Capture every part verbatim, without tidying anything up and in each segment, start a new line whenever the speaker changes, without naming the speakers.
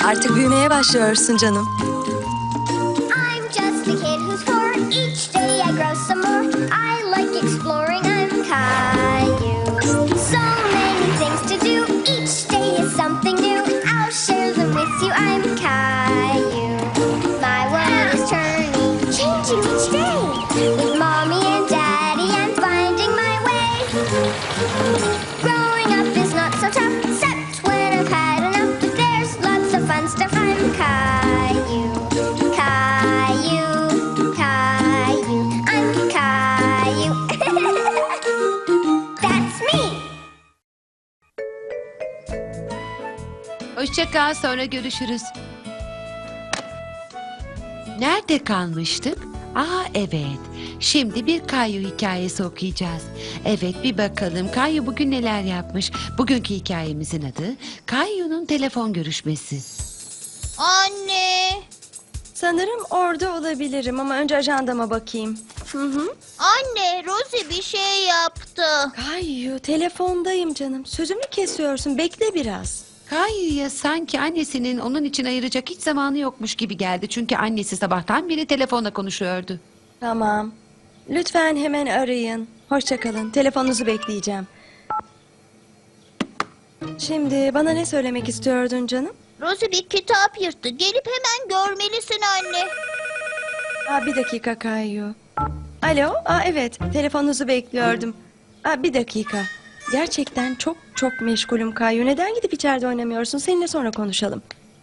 Artık büyümeye başlıyorsun canım.
I'm just a kid who's four. Each day I grow some more. I like exploring. I'm Caillou. So many things to do. Each day is something new. I'll share them with you. I'm Caillou. My world is turning, changing each day. With mommy and daddy, I'm finding my way. Growing up is not so tough, except when I've had enough. But there's lots of fun stuff. I'm Caillou. Caillou, Caillou, I'm Caillou. That's me.
Hoşça kal, sonra görüşürüz. Nerede kalmıştık? Aa evet. Şimdi bir Kayu hikayesi okuyacağız. Evet, bir bakalım Kayu bugün neler yapmış. Bugünkü hikayemizin adı Kayu'nun telefon görüşmesi.
Anne,
Sanırım orada olabilirim ama önce ajandama bakayım. Hı hı.
anne, Rosie bir şey yaptı.
Kayu, telefondayım canım. Sözümü kesiyorsun. Bekle biraz.
Kayu'ya sanki annesinin onun için ayıracak hiç zamanı yokmuş gibi geldi. Çünkü annesi sabahtan beri telefonla konuşuyordu.
Tamam. Lütfen hemen arayın. Hoşça kalın. Telefonunuzu bekleyeceğim. Şimdi bana ne söylemek istiyordun canım?
Rosie bir kitap yırttı. Gelip hemen görmelisin anne.
Aa, bir dakika Kayu. Alo, aa, evet. Telefonunuzu bekliyordum. Aa, bir dakika. Gerçekten çok çok meşgulüm Kayu. Neden gidip içeride oynamıyorsun? Seninle sonra konuşalım.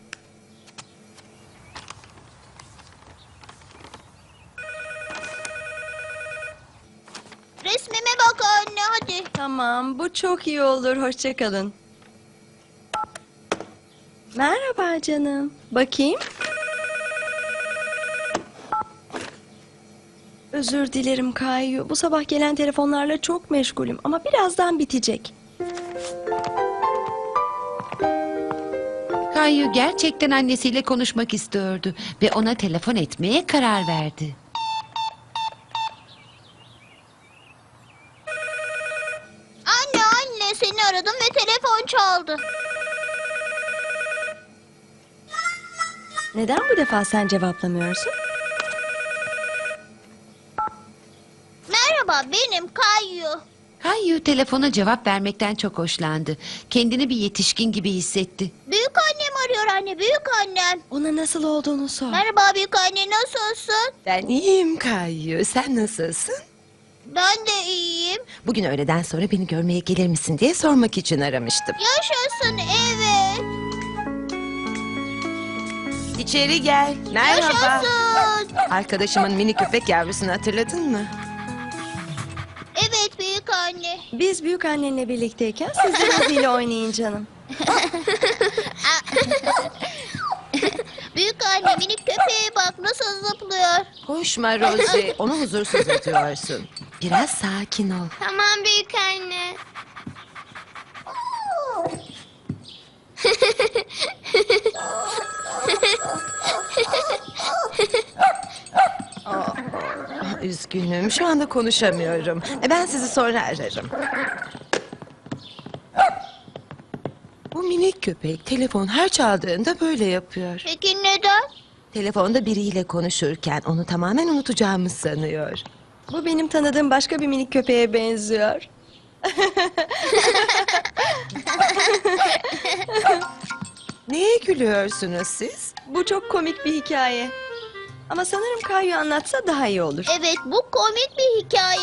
Resmime bak anne, hadi.
Tamam, bu çok iyi olur. Hoşça kalın. Merhaba canım. Bakayım. Özür dilerim Kayu. Bu sabah gelen telefonlarla çok meşgulüm ama birazdan bitecek.
Kayu gerçekten annesiyle konuşmak istiyordu ve ona telefon etmeye karar verdi.
Anne, anne, seni aradım ve telefon çaldı.
Neden bu defa sen cevaplamıyorsun?
Merhaba, benim Caillou.
Kayu telefona cevap vermekten çok hoşlandı. Kendini bir yetişkin gibi hissetti.
Büyük annem arıyor anne, büyük annem.
Ona nasıl olduğunu sor.
Merhaba büyük anne, nasılsın?
Ben iyiyim Kayu. Sen nasılsın?
Ben de iyiyim.
Bugün öğleden sonra beni görmeye gelir misin diye sormak için aramıştım.
Yaşasın, evet.
İçeri gel. Merhaba.
Yaşasın.
Arkadaşımın mini köpek yavrusunu hatırladın mı?
Evet büyük anne.
Biz büyük annenle birlikteyken siz de Rosie ile oynayın canım.
Büyük anne, minik köpeğe bak nasıl zıplıyor.
Koşma Rosie. Onu huzursuz ediyorsun. Biraz sakin ol.
Tamam büyük anne.
Üzgünüm. Şu anda konuşamıyorum. E, Ben sizi sonra ararım. Bu minik köpek telefon her çaldığında böyle yapıyor.
Peki neden?
Telefonda biriyle konuşurken onu tamamen unutacağımı sanıyor.
Bu benim tanıdığım başka bir minik köpeğe benziyor.
Neye gülüyorsunuz siz?
Bu çok komik bir hikaye. Ama sanırım Kayu anlatsa daha iyi olur.
Evet, bu komik bir hikaye.